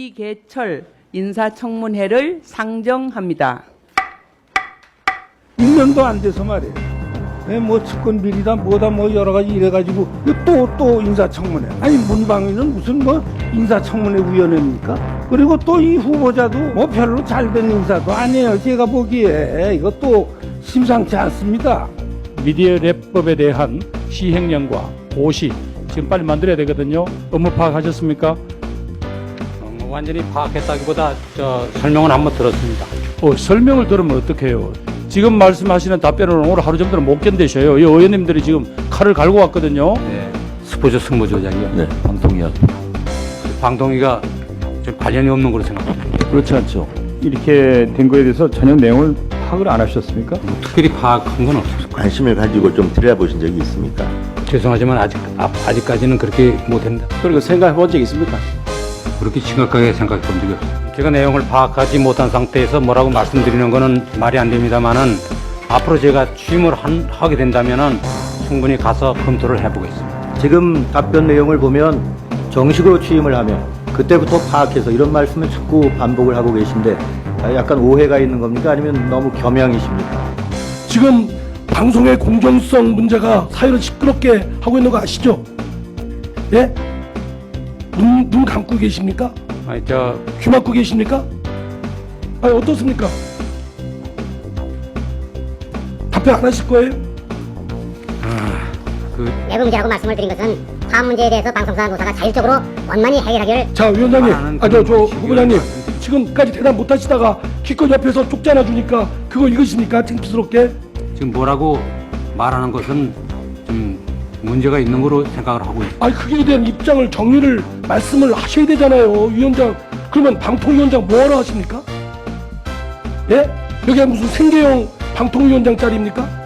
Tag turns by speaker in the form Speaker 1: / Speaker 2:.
Speaker 1: 이계철 인사청문회를 상정합니다.
Speaker 2: 1년도 안 돼서 말이에요. 뭐 측근 비리다 뭐다 뭐 여러 가지 이래가지고 또 인사청문회. 아니 문방위는 무슨 뭐 인사청문회 위원회입니까? 그리고 또 이 후보자도 뭐 별로 잘된 인사도 아니에요. 제가 보기에 이것도 심상치 않습니다.
Speaker 3: 미디어 랩법에 대한 시행령과 고시 지금 빨리 만들어야 되거든요. 업무 파악하셨습니까?
Speaker 4: 완전히 파악했다기보다 설명은 한번 들었습니다.
Speaker 3: 설명을 들으면 어떡해요? 지금 말씀하시는 답변을 오늘 하루 정도는 못 견디셔요. 이 의원님들이 지금 칼을 갈고 왔거든요.
Speaker 4: 네, 스포츠 승무조작이요.
Speaker 5: 네, 방통위원.
Speaker 4: 방통위가 좀 관련이 없는 걸로 생각합니다.
Speaker 5: 그렇지 않죠. 이렇게 된 거에 대해서 전혀 내용을 파악을 안 하셨습니까?
Speaker 4: 특별히 파악한 건 없습니다.
Speaker 6: 관심을 가지고 좀 들여다보신 적이 있습니까?
Speaker 4: 죄송하지만 아직까지는 그렇게 못했다.
Speaker 5: 그리고 생각해 본 적 있습니까?
Speaker 4: 그렇게 심각하게 생각해 본 적이 없습니다. 제가 내용을 파악하지 못한 상태에서 뭐라고 말씀드리는 거는 말이 안 됩니다만은 앞으로 제가 취임을 하게 된다면은 충분히 가서 검토를 해보겠습니다.
Speaker 7: 지금 답변 내용을 보면 정식으로 취임을 하면 그때부터 파악해서 이런 말씀을 자꾸 반복을 하고 계신데 약간 오해가 있는 겁니까? 아니면 너무 겸양이십니까?
Speaker 8: 지금 방송의 공정성 문제가 사회를 시끄럽게 하고 있는 거 아시죠? 예? 눈 감고 계십니까? 귀 막고 계십니까? 아니 어떻습니까? 답변 안 하실 거예요?
Speaker 9: 내부 문제라고 말씀을 드린 것은 화학 문제에 대해서 방송사 노사가 자율적으로 원만히 해결하기를.
Speaker 8: 자 위원장님, 저 후보자님 지금까지 대답 못 하시다가 기껏 옆에서 쪽지 하나 주니까 그거 읽으십니까? 창피스럽게.
Speaker 4: 지금 뭐라고 말하는 것은 좀 문제가 있는 거로 생각을 하고 있습니다.
Speaker 8: 아니 그에 대한 입장을 정리를 말씀을 하셔야 되잖아요, 위원장. 그러면 방통위원장 뭐하러 하십니까? 예? 여기가 무슨 생계형 방통위원장 자리입니까?